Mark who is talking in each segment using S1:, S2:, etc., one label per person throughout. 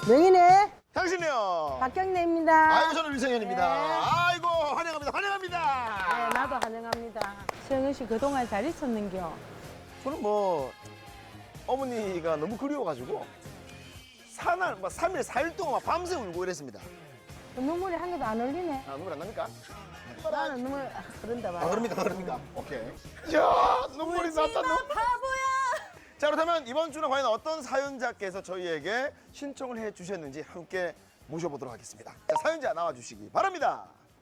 S1: 명인의
S2: 당신이요.
S1: 박경래입니다.
S2: 아이고 저는 유성현입니다.
S1: 네.
S2: 아이고 환영합니다. 환영합니다.
S1: 네, 나도 환영합니다. 수영은 씨 그동안 잘 있었는겨?
S2: 저는 뭐 어머니가 너무 그리워가지고 사날 뭐 3일 4일 동안 막 밤새 울고 이랬습니다.
S1: 그 눈물이 한 개도 안 흘리네.
S2: 아 눈물 안 납니까?
S1: 나는 눈물 흐른다 봐.
S2: 아 그럽니까? 오케이. 이야 눈물이 났다.
S1: 바보야.
S2: 자 그렇다면 이번 주는 과연 어떤 사연자께서 저희에게 신청을 해주셨는지 함께 모셔보도록 하겠습니다. 자 사연자 나와주시기 바랍니다.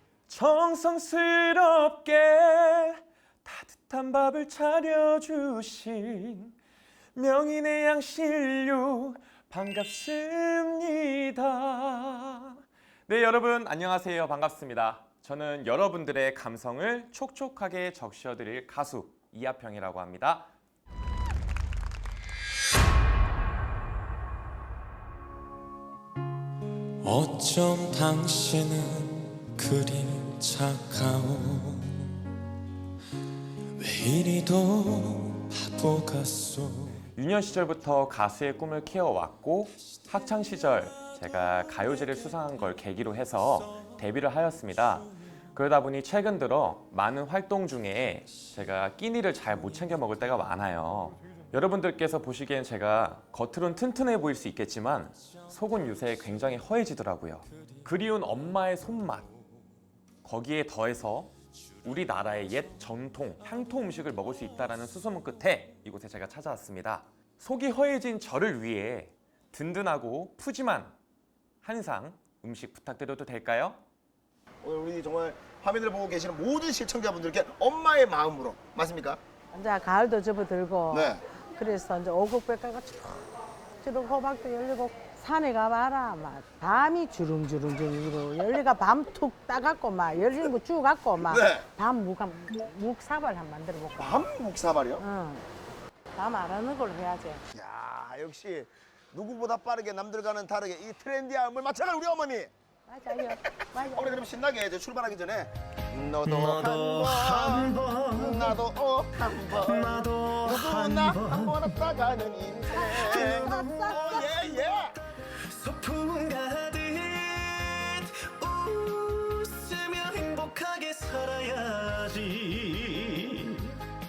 S3: 정성스럽게 따뜻한 밥을 차려주신 명인의 양신류 반갑습니다. 네 여러분 안녕하세요. 반갑습니다. 저는 여러분들의 감성을 촉촉하게 적셔드릴 가수 이하평이라고 합니다. 어쩜 당신은 그리 착하오 왜 이리도 바보 같소. 유년 시절부터 가수의 꿈을 키워왔고 학창 시절 제가 가요제를 수상한 걸 계기로 해서 데뷔를 하였습니다. 그러다 보니 최근 들어 많은 활동 중에 제가 끼니를 잘 못 챙겨 먹을 때가 많아요. 여러분들께서 보시기엔 제가 겉으론 튼튼해 보일 수 있겠지만 속은 요새 굉장히 허해지더라고요. 그리운 엄마의 손맛, 거기에 더해서 우리나라의 옛 전통 향토 음식을 먹을 수 있다는 수소문 끝에 이곳에 제가 찾아왔습니다. 속이 허해진 저를 위해 든든하고 푸짐한 한상 음식 부탁드려도 될까요?
S2: 오늘 우리 정말 화면을 보고 계시는 모든 시청자분들께 엄마의 마음으로 맞습니까?
S1: 이제 가을도 접어들고.
S2: 네.
S1: 그래서 이제 오곡백과가 주룩 호박도 열리고 산에 가봐라. 막 밤이 주름주름 열리가 밤 툭 따갖고 막 열린 거 주갖고 막
S2: 네.
S1: 밤 묵사발 한번 만들어 볼까?
S2: 밤 묵사발이요?
S1: 응. 밤 알아는 걸로 해야지.
S2: 야 역시 누구보다 빠르게 남들과는 다르게 이 트렌디함을 맞춰갈 우리 어머니.
S1: 맞아요. 맞아요.
S2: 어머니 그럼 신나게 이제 출발하기 전에 너도 한번 나도 한번 누구나 한번 왔다가는 인생. 예예.
S4: 소풍 가듯 웃으며 행복하게 살아야지.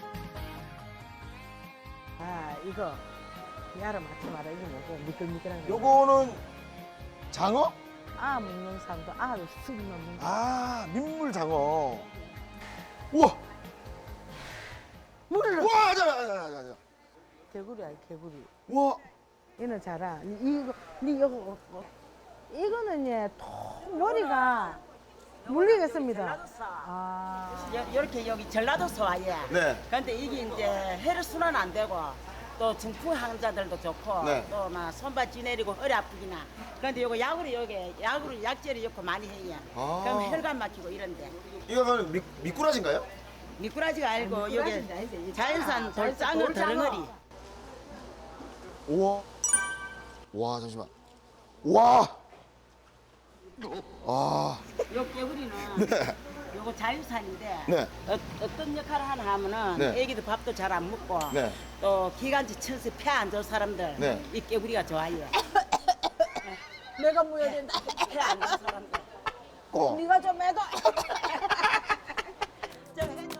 S1: 아 이거 야를 맞지 마라. 이게 뭐고 미끌미끌한 거.
S2: 요거는 장어?
S1: 아 먹는 사람도 아를 쑥 넣는 거.
S2: 아 민물 장어. 우와.
S1: 물을 넣.
S2: 우와 자.
S1: 개구리야 개구리.
S2: 우와.
S1: 얘는 자라. 이거 니 이거 이거는 얘통 머리가 물리겠습니다. 아.
S5: 이렇게 여기 전라도서 와요.
S2: 네.
S5: 근데 이게 이제 혈액순환 안 되고 또 중풍 환자들도 좋고
S2: 네.
S5: 또 막 손발 찌내리고 허리 아프기나. 그런데 요거 약으로 약재를 넣고 많이 해요.
S2: 아.
S5: 그럼 혈관 막히고 이런데
S2: 이거는 미꾸라지인가요?
S5: 미꾸라지가 아니고
S1: 아니,
S5: 여기
S1: 미꾸라지는 아니지.
S5: 자연산
S1: 자연산
S5: 돌장어
S1: 돌장어.
S5: 덩어리.
S2: 우와. 와 잠시만. 와. 아.
S5: 요 개구리는
S2: 네.
S5: 요거 자연산인데
S2: 네.
S5: 어떤 역할을 하나 하면은
S2: 네.
S5: 애기도 밥도 잘 안 먹고
S2: 네.
S5: 또 기관지 쳐서 폐 안 좋은 사람들
S2: 네.
S5: 이 개구리가 좋아요.
S1: 내가 무야 된다.
S5: 폐 안 좋은 사람들.
S1: 네가 좀 해도.
S5: 좀 해줘.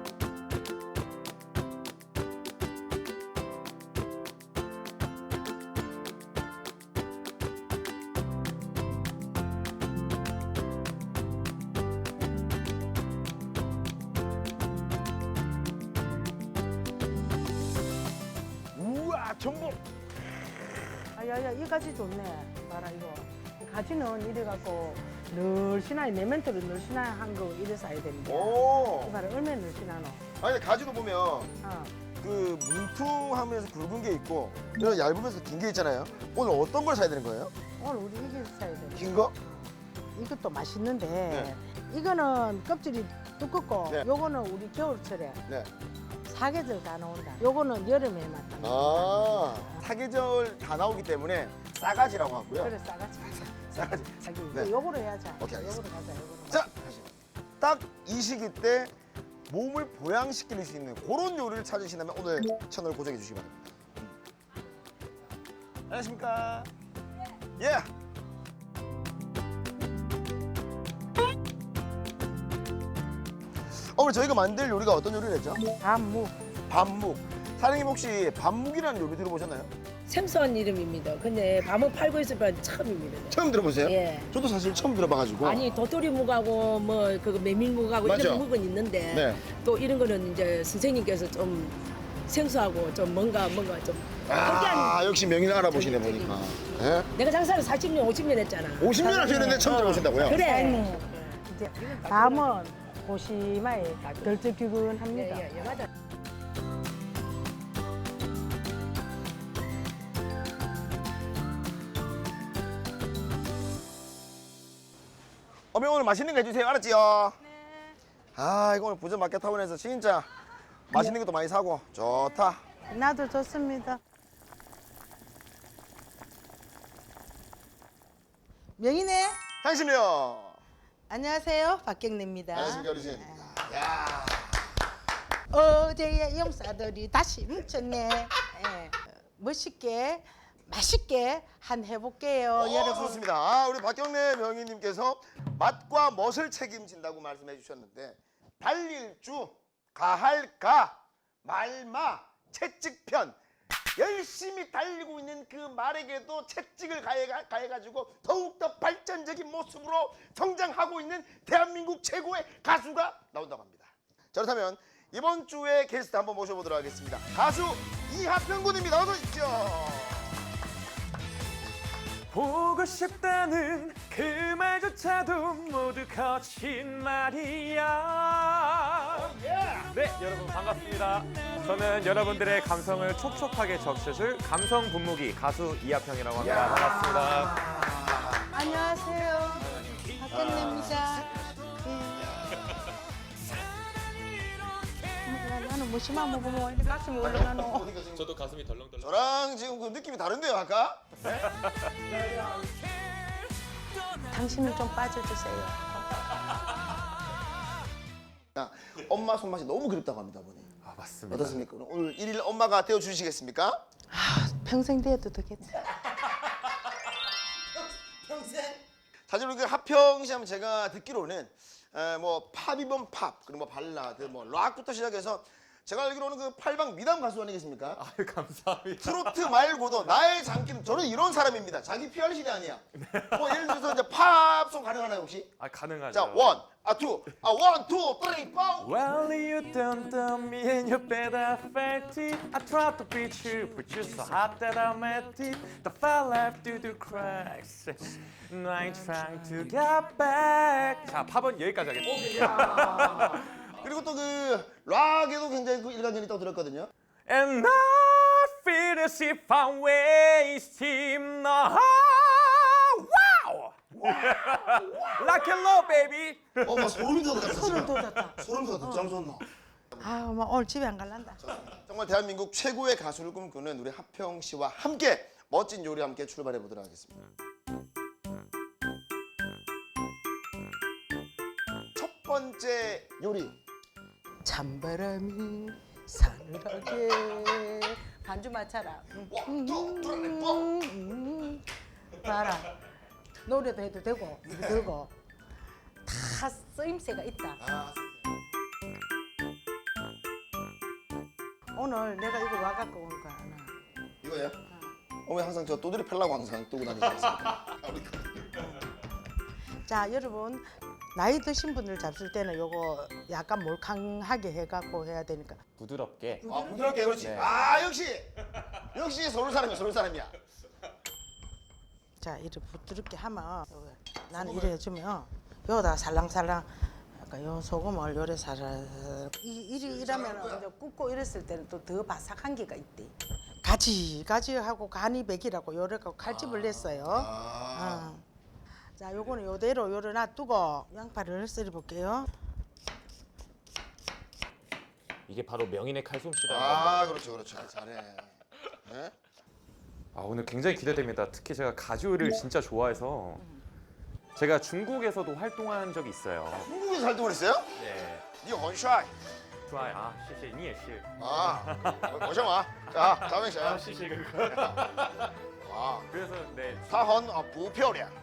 S2: 우와 전복.
S1: 아야야 이 가지 좋네. 봐라 이거. 이 가지는 이래갖고 늘씬하게 내멘토로 늘씬한 거 이래 사야 됩니다.
S2: 오.
S1: 이 봐라 얼마나 늘씬하노.
S2: 아니 가지도 보면
S1: 어.
S2: 그 뭉퉁하면서 굵은 게 있고 이런 얇으면서 긴 게 있잖아요. 오늘 어떤 걸 사야 되는 거예요?
S1: 오늘 우리 이게 사야 돼.
S2: 긴 거?
S1: 이것도 맛있는데
S2: 네.
S1: 이거는 껍질이 두껍고
S2: 네.
S1: 요거는 우리 겨울철에
S2: 네.
S1: 사계절 다 나온다. 요거는 여름에 맞다.
S2: 아 사계절 다 나오기 때문에 싸가지라고 하고요.
S1: 그래 싸가지.
S2: 싸가지.
S1: 자기
S2: 네.
S1: 요거로 해야지.
S2: 오케이,
S1: 요거로
S2: 알겠습니다.
S1: 가자. 요거로.
S2: 자, 딱 이 시기 때 몸을 보양시킬 수 있는 그런 요리를 찾으신다면 오늘 채널 고정해 주시기 바랍니다. 안녕하십니까? 예. 어머니 저희가 만들 요리가 어떤 요리를 했죠?
S1: 밤묵.
S2: 밤묵. 사장님 혹시 밤묵이라는 요리 들어보셨나요?
S6: 생소한 이름입니다. 근데 밤을 팔고 있을 건 처음입니다.
S2: 처음 들어보세요?
S6: 예.
S2: 저도 사실 처음 들어봐가지고.
S6: 아니 도토리묵하고 뭐 그거 메밀묵하고
S2: 맞죠?
S6: 이런 묵은 있는데
S2: 네.
S6: 또 이런 거는 이제 선생님께서 좀 생소하고 좀 뭔가 좀
S2: 아 역시 명인 알아보시네 보니까. 예?
S6: 내가 장사를 40년 50년 했잖아.
S2: 50년 하셨는데 처음 들어보신다고요?
S6: 그래.
S1: 사장님, 이제 밤은 고시마에 덜쭉기근합니다.
S6: 예, 맞아.
S2: 어머니 오늘 맛있는 거 해주세요. 알았지요? 네. 아 이거 오늘 부천 마켓타운에서 진짜 맛있는 것도 많이 사고 좋다.
S1: 나도 좋습니다. 명희네.
S2: 향신료.
S1: 안녕하세요. 박경래입니다.
S2: 안녕하십니까 어르신. 야.
S1: 어제의 용사들이 다시 뭉쳤네. 예. 멋있게 맛있게 한 해볼게요, 여러분.
S2: 좋습니다. 아, 우리 박경래 명희님께서 맛과 멋을 책임진다고 말씀해 주셨는데 달릴주, 가할가, 말마, 채찍편 열심히 달리고 있는 그 말에게도 채찍을 가해가지고 더욱더 발전적인 모습으로 성장하고 있는 대한민국 최고의 가수가 나온다고 합니다. 자, 그렇다면 이번 주에 게스트 한번 모셔보도록 하겠습니다. 가수 이하평 군입니다. 어서 오십시오.
S3: 보고 싶다는 그 말조차도 모두 거짓말이야. 네, 여러분 반갑습니다. 저는 여러분들의 감성을 촉촉하게 적셔줄 감성 분무기 가수 이하평이라고 합니다. 반갑습니다.
S1: 안녕하세요. 박경래입니다. 나는 무심한 먹으면 이렇게 가슴이 올라가노.
S3: 저도 가슴이 덜렁덜렁.
S2: 저랑 지금 그 느낌이 다른데요, 아까?
S1: 당신은 좀 빠져주세요.
S2: 아, 엄마 손맛이 너무 그립다고 합니다, 어머니.
S3: 아, 맞습니다.
S2: 어떻습니까? 오늘 일일 엄마가 되어 주시겠습니까?
S1: 평생 돼도 되겠다.
S2: 평생. 사실 우리 그 하평 씨 하면 제가 듣기로는 뭐 팝이면 팝, 그리고 뭐 발라드, 뭐 락부터 시작해서 제가 알기로는 그 팔방 미담 가수 아니겠습니까?
S3: 아유, 감사합니다.
S2: 트로트 말고도 나의 장기는 저는 이런 사람입니다. 자기 PR 시대 아니야. 뭐 예를 들어서 이제 팝송 가능하나요 혹시?
S3: 아, 가능하죠.
S2: 자, 원, 투, 원, 투, 쓰리, 포.
S3: Well, you don't tell me and you better fight it. I tried to beat you, but you're so hot that I met it. The fell left through the cracks. And I ain't trying to get back. 자, 팝은 여기까지 하겠습니다.
S2: 그리고 또 그 락에도 굉장히 그 일관견이 있다고 들었거든요.
S3: And I feel as if I'm wasting my wow! Rock and roll, baby!
S2: 막 소름이 돋았다.
S1: 소름 돋았다.
S2: 소름 돋았다. 짱 좋나.
S1: 아유, 막 오늘 집에 안 갈란다.
S2: 정말 대한민국 최고의 가수를 꿈꾸는 우리 하평 씨와 함께 멋진 요리 함께 출발해 보도록 하겠습니다. 첫 번째 요리.
S1: 찬바람이 사늘하게 반주 맞춰라.
S2: 원, 투, 쓰리, 포.
S1: 봐라. 노래도 해도 되고 이거 들고 다 쓰임새가 있다.
S2: 아,
S1: 오늘 내가 이거 와갖고 온 거 하나.
S2: 이거요? 어머니 항상 저 또들이 펴려고 항상 뜨고 다니지 않습니까?
S1: 자, 여러분 나이 드신 분들 잡술 때는 요거 약간 몰캉하게 해갖고 해야 되니까.
S3: 부드럽게.
S2: 아, 부드럽게 그렇지.
S3: 네.
S2: 아, 역시 서울 사람이야, 서울 사람이야.
S1: 자, 이렇게 부드럽게 하면 나는 이래 해주면 요다 살랑살랑 약간 요 소금을 요래 살살 이러면 이제 굽고 이랬을 때는 또 더 바삭한 게가 있대. 가지하고 간이 백이라고 요래가 칼집을 냈어요. 자, 요거는 요대로 요래 놔두고 양파를 썰어 볼게요.
S3: 이게 바로 명인의 칼솜씨라는
S2: 아, 그렇죠. 잘해. 네?
S3: 아, 오늘 굉장히 기대됩니다. 특히 제가 가지 요리를 진짜 좋아해서 제가 중국에서도 활동한 적이 있어요.
S2: 중국에서 활동을 했어요?
S3: 네.
S2: 니 원샷.
S3: 좋아요. 아, 谢谢你也是.
S2: 아, 오셔마. 자, 다음에 자.
S3: 谢谢哥哥.
S2: 啊，
S3: 그래서 네.
S2: 她很不漂亮。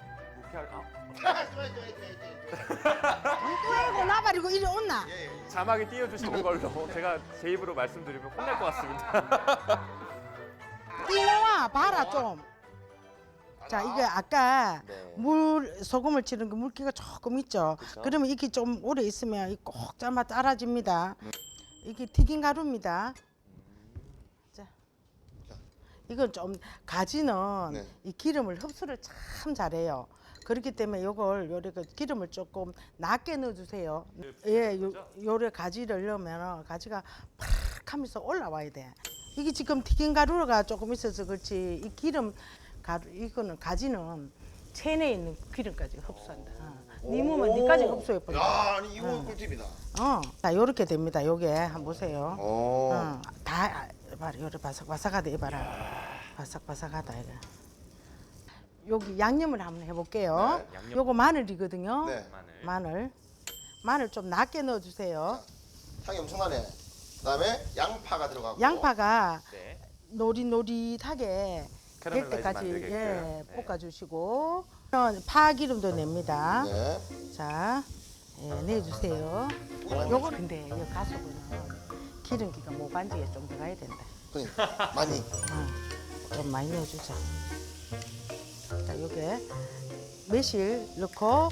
S1: 또 나발이고 이리 온나.
S3: 자막에 띄워주시는 걸로 제가 제 입으로 말씀드리면 혼날 것 같습니다.
S1: 띠나와 봐라 좀. 자 이게 아까
S2: 네.
S1: 물 소금을 치는 그 물기가 조금 있죠. 그러면 이게 좀 오래 있으면 꼭 짜마 따라집니다. 이게 튀긴 가루입니다. 자, 이건 좀 가지는
S2: 네.
S1: 이 기름을 흡수를 참 잘해요. 그렇기 때문에 요걸 요래 그 기름을 조금 낮게 넣어주세요. 예, 요래 가지를 넣으면 가지가 팍 하면서 올라와야 돼. 이게 지금 튀긴 가루가 조금 있어서 그렇지 이 기름 가루 이거는 가지는 체내에 있는 기름까지 흡수한다. 네 몸은 니까지 흡수해 버려.
S2: 야, 아니 이거 꿀팁이다.
S1: 자 요렇게 됩니다. 요게 한번 보세요.
S2: 오.
S1: 다 봐라 요래 바삭바삭하다 이봐라. 바삭바삭하다 이거. 여기 양념을 한번 해볼게요.
S2: 네,
S3: 양념.
S1: 요거 마늘이거든요.
S2: 네.
S1: 마늘 좀 낮게 넣어주세요.
S2: 향이 엄청나네. 그다음에 양파가 들어가고.
S1: 양파가
S3: 네.
S1: 노릿노릿하게 될
S3: 캐러멜라이즈
S1: 때까지
S3: 만들게끔.
S1: 예,
S3: 네.
S1: 볶아주시고 파기름도 냅니다.
S2: 네.
S1: 자, 예, 내주세요. 요거 근데 이 가수분은 기름기가 모반지에 좀 들어가야 된다.
S2: 그러니까 많이.
S1: 좀 많이 넣어주자. 자, 요게 매실 넣고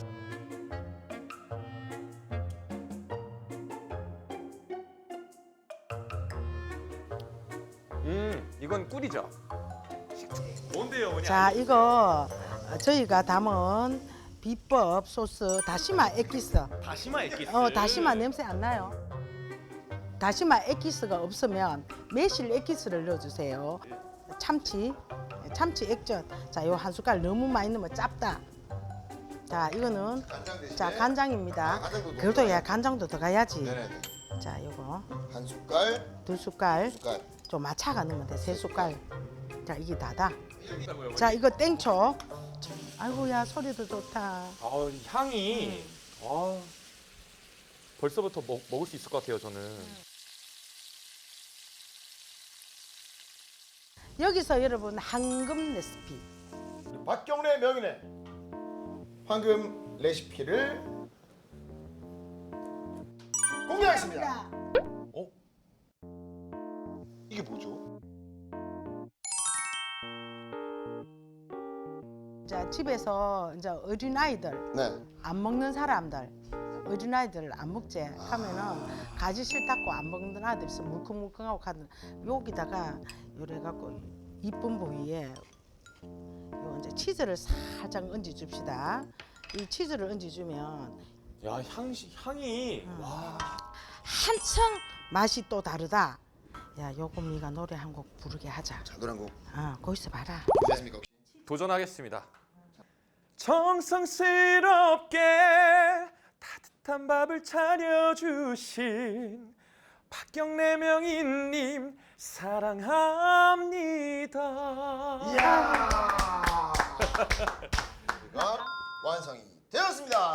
S3: 이건 꿀이죠. 뭔데요, 어머니?
S1: 자, 이거 저희가 담은 비법 소스 다시마 액기스.
S3: 다시마 액기스.
S1: 다시마 냄새 안 나요. 다시마 액기스가 없으면 매실 액기스를 넣어주세요. 참치 액젓. 자, 요 한 숟갈 너무 많이 넣으면 짭다. 자, 이거는
S2: 간장 대신에.
S1: 자 간장입니다.
S2: 아, 간장도
S1: 그래도
S2: 넣어줘요?
S1: 야 간장도 들어가야지.
S2: 네네.
S1: 자, 요거
S2: 한 숟갈,
S1: 2숟갈.
S2: 숟갈.
S1: 좀 마차가 넣으면 돼. 3숟갈. 자, 이게 다다. 자, 이거 땡초. 아이고야 소리도 좋다.
S3: 아, 향이 벌써부터 먹을 수 있을 것 같아요, 저는.
S1: 여기서 여러분 황금 레시피.
S2: 박경래 명인의 황금 레시피를 공개하겠습니다. 이게 뭐죠?
S1: 자, 집에서 이제 어린아이들
S2: 네.
S1: 안 먹는 사람들 어린아이들 안 먹지 하면은 가지 싫다고 안 먹는 아들 있어 물컹물컹하고 가는 여기다가 요래 갖고 이쁜 부위에 요 이제 치즈를 살짝 얹어 줍시다. 이 치즈를 얹어 주면
S3: 야, 향이 와.
S1: 한층 맛이 또 다르다. 야, 요금이가 노래 한 곡 부르게 하자.
S2: 자, 노래 한 곡.
S1: 거기서 봐라.
S2: 됐습니까? 혹시?
S3: 도전하겠습니다. 정성스럽게 따뜻한 밥을 차려주신 박경래 명인님 사랑합니다.
S2: 이야. 우리가 완성이 되었습니다.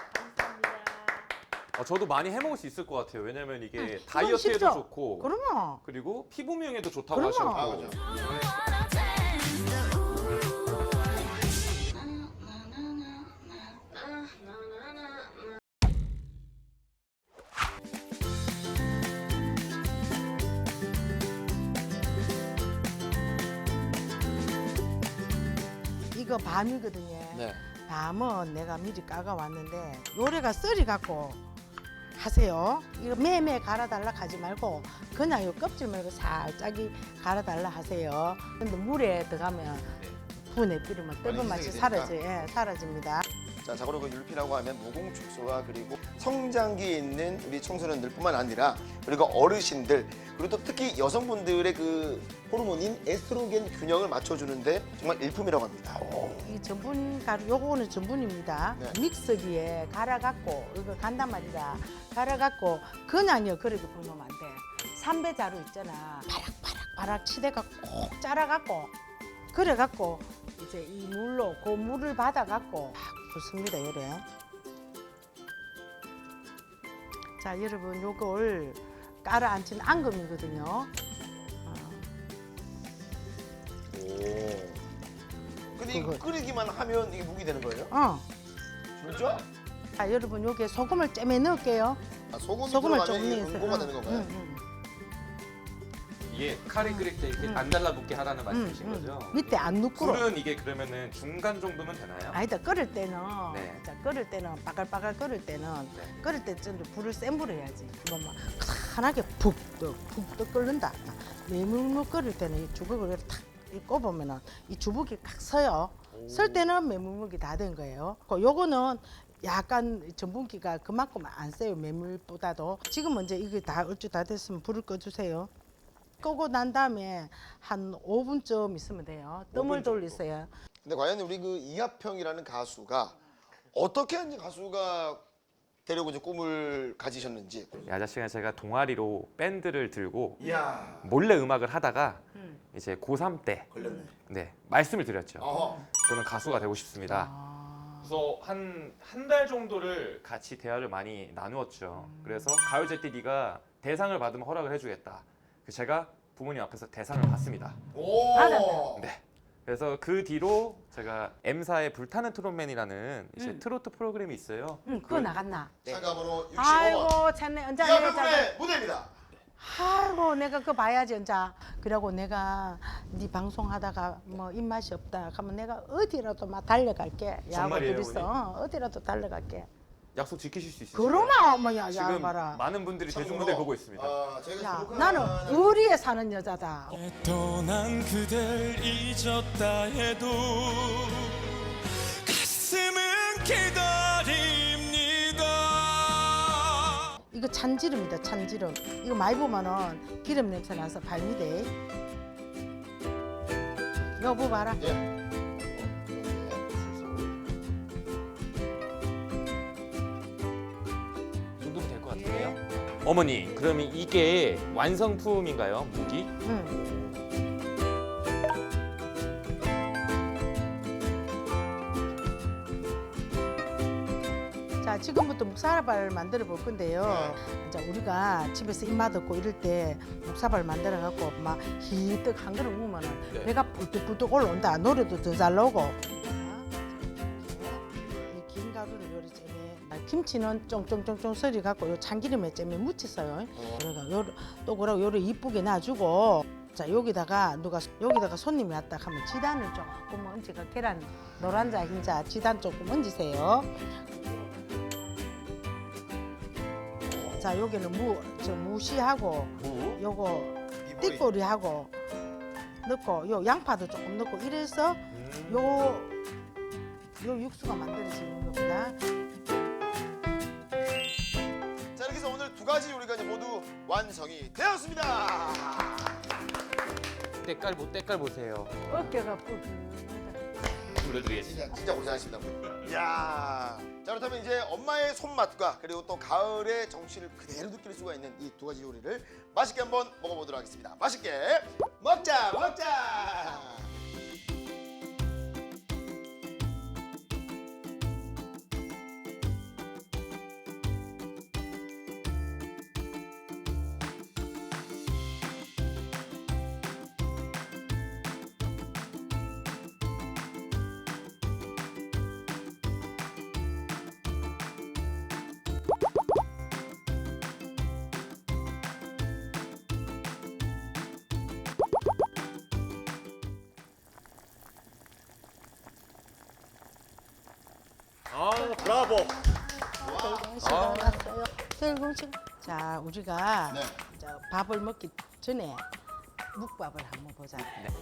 S3: 저도 많이 해먹을 수 있을 것 같아요. 왜냐면 이게
S1: 그럼
S3: 다이어트에도
S1: 쉽죠?
S3: 좋고
S1: 그러면
S3: 그리고 피부 미용에도 좋다고
S1: 그럼요.
S3: 하셨고.
S2: 아, 그죠.
S1: 이거 밤이거든요.
S2: 네.
S1: 밤은 내가 미리 까가 왔는데 요래가 썰이 갖고 하세요. 이거 매매 갈아달라 하지 말고 그냥 요 껍질 말고 살짝이 갈아달라 하세요. 근데 물에 들어가면 분해 뿌리면 떫은 맛이
S2: 희석이
S1: 사라집니다.
S2: 자, 자고로 그 율피라고 하면 무공축소와 그리고 성장기에 있는 우리 청소년들뿐만 아니라 그리고 어르신들 그리고 또 특히 여성분들의 그 호르몬인 에스트로겐 균형을 맞춰주는데 정말 일품이라고 합니다.
S1: 이 전분 가루 요거는 전분입니다.
S2: 네.
S1: 믹서기에 갈아갖고 이거 간단 말이다. 갈아갖고 그냥요 그렇게 부으면 안 돼. 삼배 자루 있잖아. 바락바락 치대가 꼭 짜라갖고 그래갖고 이제 이 물로 그 물을 받아갖고 막 붓습니다 요래. 자 여러분 요걸 깔아앉힌 앙금이거든요.
S2: 오. 근데 이거 끓이기만 하면 이게 묵이 되는 거예요? 진짜?
S1: 자, 여러분 여기에 소금을 쬐매 넣을게요.
S2: 아, 소금이
S1: 소금을
S2: 들어가면
S1: 좀
S2: 이게
S1: 넣으세요.
S2: 응고가 되는 건가요?
S3: 이게 카레 끓일 때 이렇게 안 달라붙게 하라는 말씀이신 거죠?
S1: 밑에 안 누꾸러.
S3: 불은 이게 그러면은 중간 정도면 되나요?
S1: 아니다 끓을 때는
S3: 네.
S1: 자, 끓을 때는 바글바글 끓을 때는
S3: 네.
S1: 끓을 때 좀 불을 센 불을 해야지. 이거 막 환하게 푹떡 끓는다. 메물물 끓을 때는 이 주걱을 탁 꼽으면은 이 주걱이 칵 서요. 설 때는 메물물이 다 된 거예요. 요거는 약간 전분기가 그만큼 안 세요. 메물보다도. 지금 이제 이게 다 얼추 다 됐으면 불을 꺼주세요. 끄고 난 다음에 한 5분쯤 있으면 돼요. 뜸을 돌리세요.
S2: 근데 과연 우리 그 이하평이라는 가수가 어떻게 이제 가수가 되려고 이제 꿈을 가지셨는지.
S3: 이 아저씨가 제가 동아리로 밴드를 들고
S2: 이야.
S3: 몰래 음악을 하다가 이제 고3 때
S2: 걸렸네.
S3: 네, 말씀을 드렸죠.
S2: 어허.
S3: 저는 가수가 되고 싶습니다. 그래서 한 달 정도를 같이 대화를 많이 나누었죠. 그래서 가요제 때 네가 대상을 받으면 허락을 해주겠다. 그래서 제가 부모님 앞에서 대상을 받습니다.
S2: 오.
S1: 알았네.
S3: 네. 그래서 그 뒤로 제가 M사의 불타는 트롯맨이라는 이제 트로트 프로그램이 있어요.
S1: 그거 나갔나?
S2: 참가번호 65번.
S1: 아이고 참네 언제
S2: 이하평군의 무대입니다.
S1: 아이고 내가 그거 봐야지 언자. 그러고 내가 네 방송하다가 뭐 입맛이 없다 하면 내가 어디라도 막 달려갈게. 야구
S3: 정말이에요,
S1: 둘이서 어디라도 달려갈게.
S3: 약속 지키실 수 있으세요?
S1: 그러면 뭐야
S3: 지금
S1: 야 봐라.
S3: 많은 분들이
S2: 참고로,
S3: 대중무대 보고 있습니다.
S2: 저희가
S1: 야
S2: 부족한
S1: 나는 의리에 사는 여자다.
S4: 떠난 그댈 잊었다 해도 가슴은 기다립니다.
S1: 이거 찬지름이다 찬지름. 이거 많이 보면은 기름 냄새 나서 발미대. 여보 봐라.
S2: 예.
S3: 정도면 될 것 같은데요? 어머니, 그러면 이게 완성품인가요? 무기?
S1: 응. 자 지금부터 묵사발을 만들어 볼 건데요. 이제 우리가 집에서 입맛 없고 이럴 때 묵사발 만들어 갖고 막 희뜩 한 그릇 먹으면은
S3: 네.
S1: 배가 불뚝불뚝 올라온다. 노래도 더 잘 나오고. 이 긴 가루를 요리 잼에 김치는 쫑쫑쫑쫑 썰이 갖고 요 참기름에 잼에 묻혔어요. 그러니까 또 그러고 요를 이쁘게 놔주고. 자 여기다가 여기다가 손님이 왔다 하면 지단을 조금 얹어가 계란 노란자 흰자 지단 조금 얹으세요. 자 여기는 무시하고
S3: 무?
S1: 요거 띠꼬리하고 넣고 요 양파도 조금 넣고 이래서 요 육수가 만들어지는 겁니다.
S2: 자 이렇게 해서 오늘 두 가지 요리가 이제 모두 완성이 되었습니다.
S3: 때깔 보세요.
S1: 어깨가 뿔.
S3: 불러드리겠습니다.
S2: 진짜 고생하십니다. 이야. 자 그렇다면 이제 엄마의 손맛과 그리고 또 가을의 정취를 그대로 느낄 수가 있는 이 두 가지 요리를 맛있게 한번 먹어보도록 하겠습니다. 맛있게 먹자.
S3: 아, 브라보.
S1: 시간 왔어요. 들고 지금. 자 우리가
S2: 네.
S1: 이제 밥을 먹기 전에 묵밥을 한번 보자.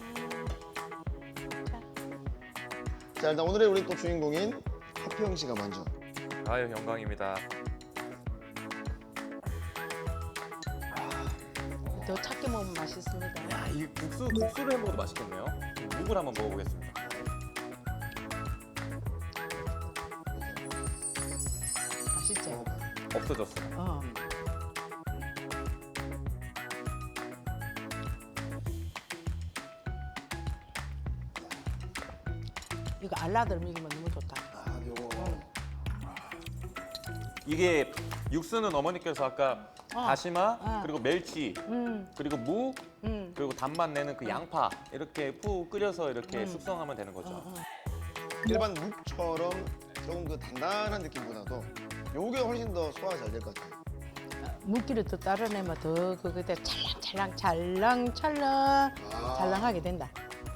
S2: 자 일단 오늘의 우리 또 주인공인 하평 씨가 먼저.
S3: 아유, 영광입니다.
S1: 더 작게 먹으면 맛있습니다.
S3: 야, 이 국수를 해 먹어도 맛있겠네요. 묵을 한번 먹어보겠습니다.
S1: 맛있죠?
S3: 없어졌어요.
S1: 어. 이거 알라들 먹이면 너무 좋다.
S2: 아 요거.
S3: 이게 육수는 어머니께서 아까 다시마 그리고 멸치 그리고 무 그리고 단맛 내는 그 양파 이렇게 푹 끓여서 이렇게 숙성하면 되는 거죠.
S2: 일반 묵처럼 조금 그 단단한 느낌보다도 요게 훨씬 더 소화가 잘 될 것 같아요.
S1: 물기를 더 따라내면 더 그때 찰랑찰랑 찰랑하게 된다.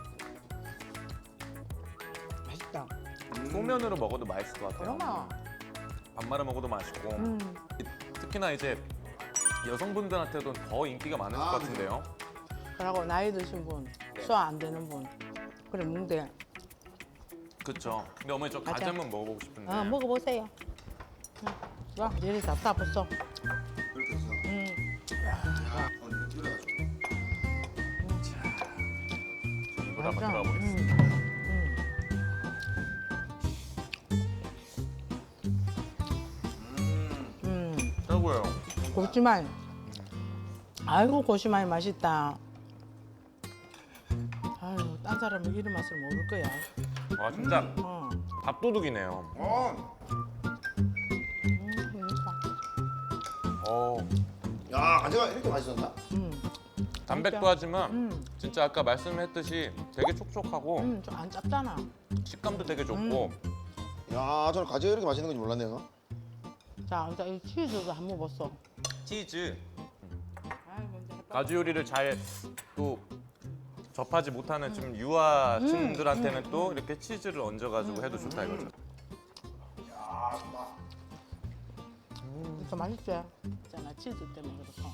S1: 맛있다.
S3: 소면으로 먹어도 맛있을 것 같아요.
S1: 그러나.
S3: 밥 말아 먹어도 맛있고 특히나 이제 여성분들한테도 더 인기가 많을 것 같은데요.
S1: 그러고 나이 드신 분, 소화 안 되는 분, 그래 먹는데
S3: 그렇죠. 근데 어머니 저 가지
S1: 맞아.
S3: 한번 먹어보고 싶은데.
S1: 먹어보세요. 와, 이리 다 벌써.
S2: 이렇게 해서 이렇게 끓여가지고
S3: 입으로 한번
S1: 맞아.
S3: 들어가 보겠습니다. 최고예요.
S1: 고시마이. 아이고 고시마이 맛있다. 아유, 딴 사람은 이런 맛을 모를 거야.
S3: 와 진짜
S1: 어.
S3: 밥도둑이네요.
S1: 그러니까.
S2: 야, 가지가 이렇게 맛있었나?
S3: 담백도 하지만 진짜 아까 말씀했듯이 되게 촉촉하고
S1: 좀 안 짭잖아.
S3: 식감도 되게 좋고
S2: 야, 저는 가지가 이렇게 맛있는 건지 몰랐네요.
S1: 자, 일단 이 치즈도 한번 먹었어.
S3: 치즈
S1: 아이, 먼저 해봐.
S3: 가지 요리를 잘 또 접하지 못하는 좀 유아층들한테는 또 이렇게 치즈를 얹어가지고 해도 좋다 이거죠.
S1: 진짜 맛있지? 있잖아, 치즈 때문에 그렇고.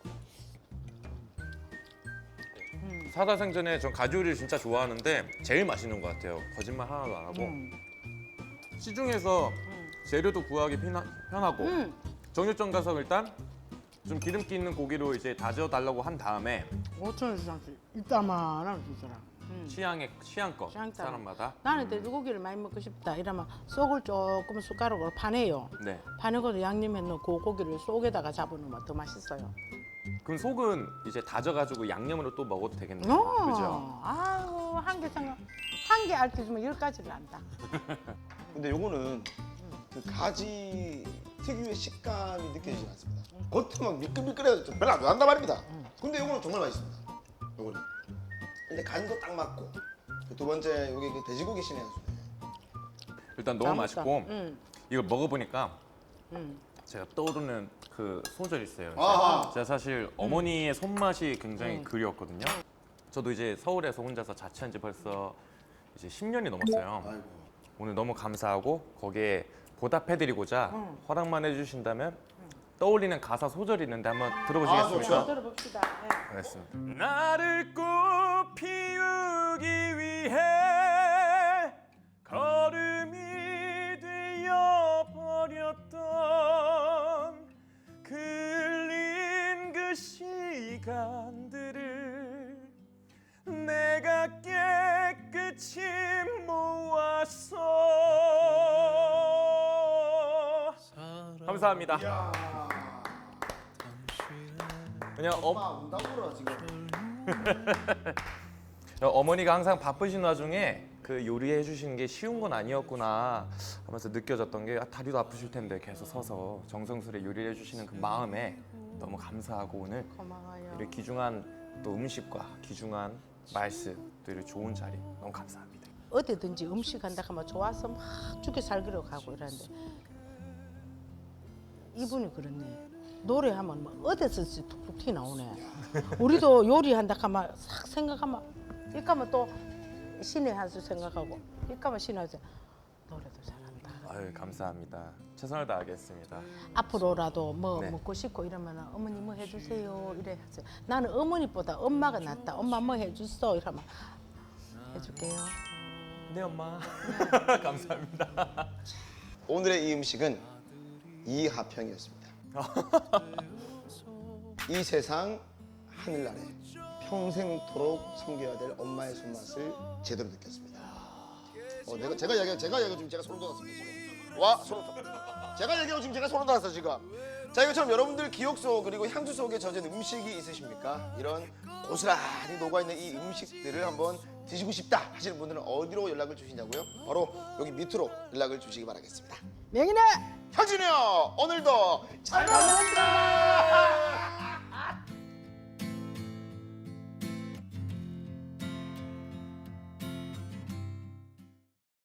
S3: 사다생전에 전 가지 요리를 진짜 좋아하는데 제일 맛있는 것 같아요. 거짓말 하나도 안 하고 시중에서 재료도 구하기 편하고 정육점 가서 일단 좀 기름기 있는 고기로 이제 다져달라고 한 다음에
S1: 5,000원 주장씩 이따만하면 주더라.
S3: 취향껏
S1: 취향 따라.
S3: 사람마다
S1: 나는 돼지고기를 많이 먹고 싶다 이러면 속을 조금 숟가락으로 파내요.
S3: 네.
S1: 파내고도 양념해 놓은 그 고기를 속에다가 잡아놓으면 더 맛있어요.
S3: 그럼 속은 이제 다져가지고 양념으로 또 먹어도 되겠네요.
S1: 어,
S3: 그죠?
S1: 아유, 한 개 생각, 한개 알려주면 10가지를 안다.
S2: 근데 요거는 그 가지 특유의 식감이 느껴지지 않습니다. 겉에 막 미끌미끌해서 좀 별로 안 좋아한단 말입니다. 근데 요거는 정말 맛있습니다. 요거는. 근데 간도 딱 맞고 그두 번째 요게 그 돼지고기 신의 한 수네.
S3: 일단 너무
S1: 맛있다.
S3: 맛있고
S1: 응.
S3: 이걸 먹어보니까
S1: 응.
S3: 제가 떠오르는 그 소절이 있어요.
S2: 아하.
S3: 제가 사실 어머니의 손맛이 굉장히 그리웠거든요. 저도 이제 서울에서 혼자서 자취한 지 벌써 이제 10년이 넘었어요.
S2: 아이고.
S3: 오늘 너무 감사하고 거기에 보답해드리고자 허락만 해주신다면 떠올리는 가사 소절이 있는데 한번 들어보시겠습니까?
S2: 좋죠.
S1: 들어봅시다. 네.
S3: 알겠습니다. 나를 꽃 피우기 위해 걸음이 되어 버렸던 흘린 그 시간들을 내가 깨끗이 모았어. 감사합니다. 그냥
S2: 운다구라 지금.
S3: 어머니가 항상 바쁘신 와중에 그 요리해 주시는 게 쉬운 건 아니었구나 하면서 느껴졌던 게 다리도 아프실 텐데 계속 서서 정성스레 요리를 해주시는 그 마음에 너무 감사하고 오늘
S1: 고마워요.
S3: 이렇게 귀중한 또 음식과 귀중한 말씀 또 이렇게 좋은 자리 너무 감사합니다.
S1: 어디든지 음식 한다 하면 좋아서 막 죽여 살기로 가고 이러는데 이분이 그렇네. 노래하면 뭐 어디서든지 툭툭 튀 나오네. 우리도 요리한다 하면 싹 생각하면 이까면 또 신의 한 수 생각하고 이까면 신의 한 수 노래도 잘한다.
S3: 아유 감사합니다. 최선을 다하겠습니다.
S1: 앞으로라도 뭐
S3: 네.
S1: 먹고 싶고 이러면 어머니 뭐 해주세요 이래 하세요. 나는 어머니보다 엄마가 낫다. 엄마 뭐 해주소 이러면 해줄게요.
S3: 네 엄마. 감사합니다.
S2: 오늘의 이 음식은 이하평이었습니다. 이 세상 하늘 아래 평생토록 섬겨야 될 엄마의 손맛을 제대로 느꼈습니다. 제가 얘기하고 지금 제가 소름 돋았습니다 지금. 와 소름 돋. 제가 얘기하고 지금 제가 소름 돋았어 지금. 자 이것처럼 여러분들 기억 속 그리고 향수 속에 젖은 음식이 있으십니까? 이런 고스란히 녹아있는 이 음식들을 한번 드시고 싶다 하시는 분들은 어디로 연락을 주시냐고요? 바로 여기 밑으로 연락을 주시기 바라겠습니다.
S1: 명인아
S2: 혁진이 형 오늘도 잘 가요.